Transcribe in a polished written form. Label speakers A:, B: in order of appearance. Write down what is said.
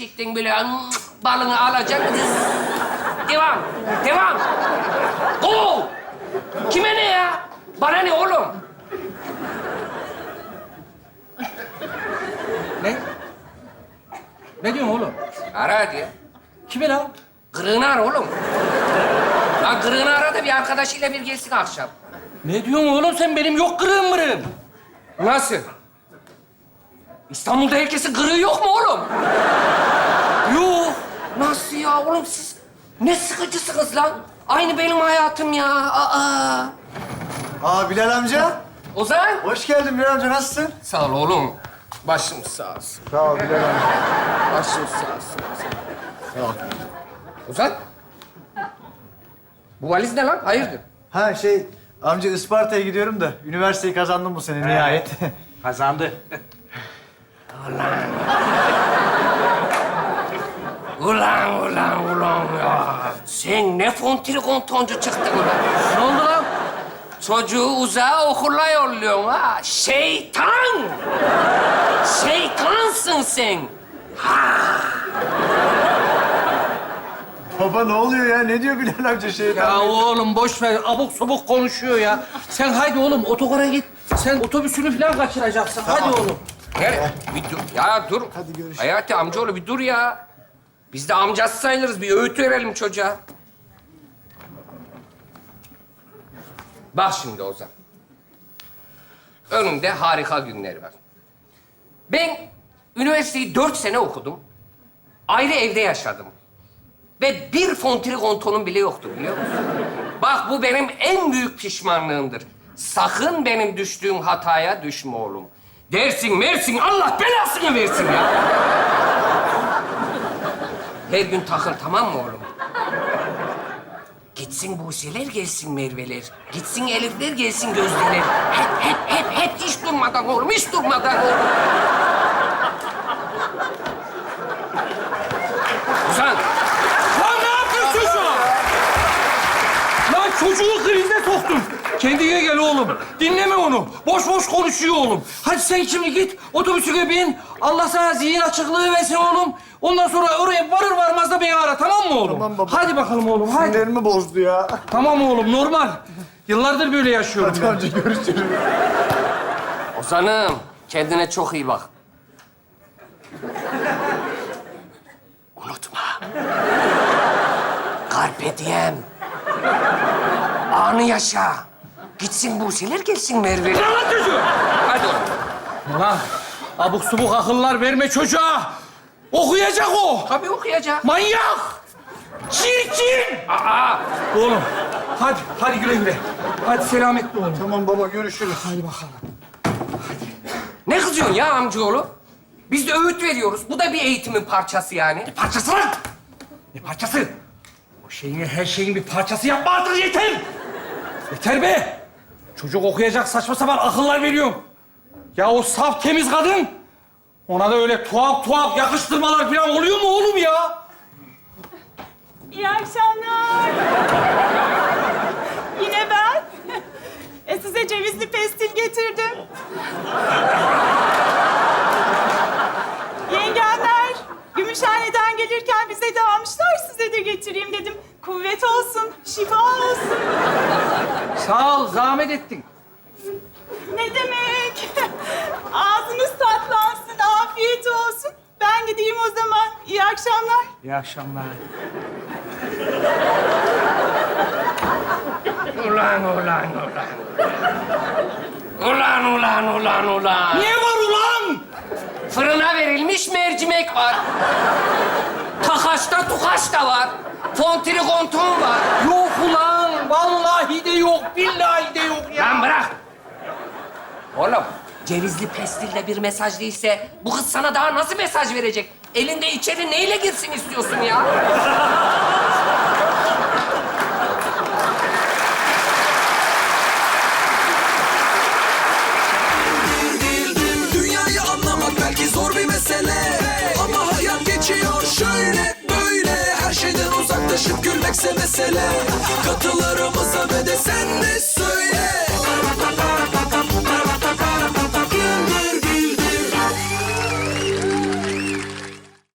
A: çiçekten böyle balını alacaksın. Devam, devam. Go! Kime ne ya? Bana ne oğlum?
B: Ne? Ne diyorsun oğlum?
A: Ara hadi.
B: Kime lan?
A: Kırığını ara oğlum. Lan kırığını ara da bir arkadaşıyla bir gelsin akşam.
B: Ne diyorsun oğlum sen? Benim yok kırığım mırığım.
A: Nasıl? İstanbul'da herkesin kırığı yok mu oğlum?
B: Yok.
A: Nasıl ya oğlum siz ne sıkıcısınız lan? Aynı benim hayatım ya. Aa.
C: Bilal amca.
A: Ozan.
C: Hoş geldin Bilal amca, nasılsın?
A: Sağ ol oğlum. Başım sağ olsun.
C: Sağ ol Bilal amca.
A: Başım sağ olsun. Sağ ol. Ozan. Bu valiz ne lan? Hayırdır?
C: Amca Isparta'ya gidiyorum da üniversiteyi kazandım bu sene nihayet.
B: Kazandı.
A: Ulan ya. Sen ne fontrikontoncu çıktın ulan.
B: Ne oldu lan?
A: Çocuğu uzağa okula yolluyorsun ha. Şeytan! Şeytansın sen.
C: Baba ne oluyor ya? Ne diyor Bilal amca şeyden?
B: Ya oğlum boş ver. Abuk subuk konuşuyor ya. Sen haydi oğlum otogara git. Sen otobüsünü falan kaçıracaksın. Hadi oğlum.
A: Nereye? Bir dur. Ya dur.
C: Hadi görüşürüz.
A: Hayati amcaoğlu bir dur ya. Biz de amcası sayılırız. Bir öğüt verelim çocuğa. Bak şimdi Ozan. Önümde harika günler var. Ben üniversiteyi 4 sene okudum. Ayrı evde yaşadım. Ve bir fontrikontonum bile yoktu biliyor musun? Bak bu benim en büyük pişmanlığımdır. Sakın benim düştüğüm hataya düşme oğlum. Dersin mersin Allah belasını versin ya. Her gün takıl tamam mı oğlum? Gitsin Buse'ler gelsin Merve'ler. Gitsin Elif'ler gelsin Gözde'ler. Hep hiç durmadan oğlum, hiç durmadan oğlum. Ozan.
B: Lan ne yapıyorsun çocuğa? Lan çocuğu krize soktun. Kendine gel oğlum. Dinleme onu. Boş boş konuşuyor oğlum. Hadi sen şimdi git otobüsüne bin. Allah sana zihin açıklığı versin oğlum. Ondan sonra oraya varır varmaz da beni ara tamam mı oğlum?
C: Tamam baba.
B: Hadi bakalım oğlum hadi.
C: Sinirlerimi bozdu ya.
B: Tamam oğlum normal. Yıllardır böyle yaşıyorum
C: Hadi
B: ben.
C: amca görüşürüz.
A: Ozan'ım kendine çok iyi bak. Unutma. Carpe diem. Anı yaşa. Gitsin Buse'ler gelsin Merve'ler.
B: Lan çocuğu.
A: Hadi oğlum.
B: Lan abuk subuk akıllar verme çocuğa. Okuyacak o.
A: Tabii okuyacak.
B: Manyak. Çirkin.
A: Aa,
B: Oğlum hadi güle güle. Hadi selametle oğlum.
C: Tamam baba, görüşürüz.
B: Hadi bakalım.
A: ne kızıyorsun ya amcaoğlu? Biz de öğüt veriyoruz. Bu da bir eğitimin parçası yani.
B: Ne parçası lan? Ne parçası? O şeyin her şeyin bir parçası yapma artık yeter. Yeter be. Çocuk okuyacak saçma sapan akıllar veriyorum. Ya o saf temiz kadın. Ona da öyle tuhaf yakıştırmalar falan oluyor mu oğlum ya?
D: İyi akşamlar. Yine ben. Size cevizli pestil getirdim. Yengemler Gümüşhane'den gelirken bize de almışlar. Size de getireyim dedim. Kuvvet olsun, şifa olsun.
B: Sağ ol, zahmet ettin.
D: Ne demek? Ağzınız tatlansın, afiyet olsun. Ben gideyim o zaman. İyi akşamlar.
B: İyi akşamlar.
A: Ulan.
B: Niye var ulan?
A: Fırına verilmiş mercimek var. Takaşta tukaş da var. Fontrikonton var.
B: Yok ulan. Vallahi de yok, billahi de yok ya.
A: Lan bırak. Oğlum, cevizli pestilde bir mesaj değilse bu kız sana daha nasıl mesaj verecek? Elinde içeri neyle girsin istiyorsun ya?
E: Dünyayı anlamak belki zor bir mesele, ama hayat geçiyor şöyle böyle. Her şeyden uzaklaşıp gülmekse mesele.